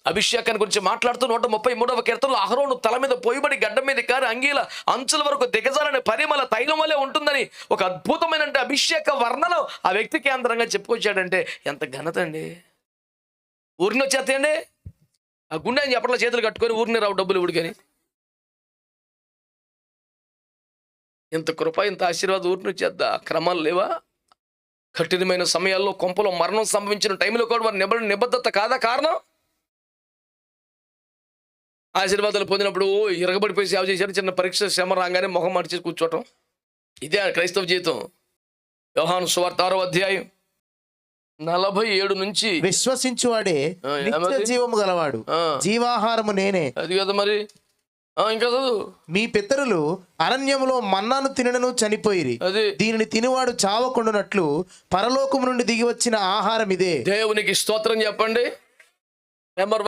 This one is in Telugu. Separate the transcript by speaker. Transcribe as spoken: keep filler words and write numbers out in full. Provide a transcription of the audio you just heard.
Speaker 1: అభిషేకాన్ని గురించి మాట్లాడుతూ నూట ముప్పై మూడవ కీర్తనలో అహరోను తల మీద పోయిబడి గడ్డం మీద కారి అంగీల అంచుల వరకు దిగజాలని పరిమళ తైలం వల్లే ఉంటుందని ఒక అద్భుతమైన అభిషేక వర్ణన ఆ వ్యక్తి కేంద్రంగా చెప్పుకొచ్చాడంటే ఎంత ఘనత అండి. ఊరిని వచ్చేస్తాయండి ఆ గుండె అని చెప్పట్లో చేతులు కట్టుకొని ఊరిని రావు డబ్బులు ఉడికని. ఇంత కృప ఇంత ఆశీర్వాదం ఊరిని వచ్చేద్దా? క్రమాలు లేవా? కఠినమైన సమయాల్లో కొంపలో మరణం సంభవించిన టైంలో కూడా వారి నిబ నిబద్ధత కాదా కారణం? ఆశీర్వాదాలు పొందినప్పుడు ఇరగబడిపోయి సేవ చేశారు, చిన్న పరీక్ష శ్రమ రాగానే మొహం మార్చేసి కూర్చోవటం. ఇదే క్రైస్తవ జీవితం. యోహాను సువార్త ఆరో అధ్యాయం నలభై ఏడు నుంచి
Speaker 2: విశ్వసించువాడే నిత్య జీవము గలవాడు, జీవాహారము నేనే.
Speaker 1: అది కదా మరి. ఇంకా చదువు.
Speaker 2: మీ పితరులు అరణ్యములో మన్నాను తినను చనిపోయిరి, దీనిని తినివాడు చావకుండునట్లు పరలోకము నుండి దిగి వచ్చిన ఆహారం ఇదే.
Speaker 1: దేవునికి స్తోత్రం చెప్పండి. నెంబర్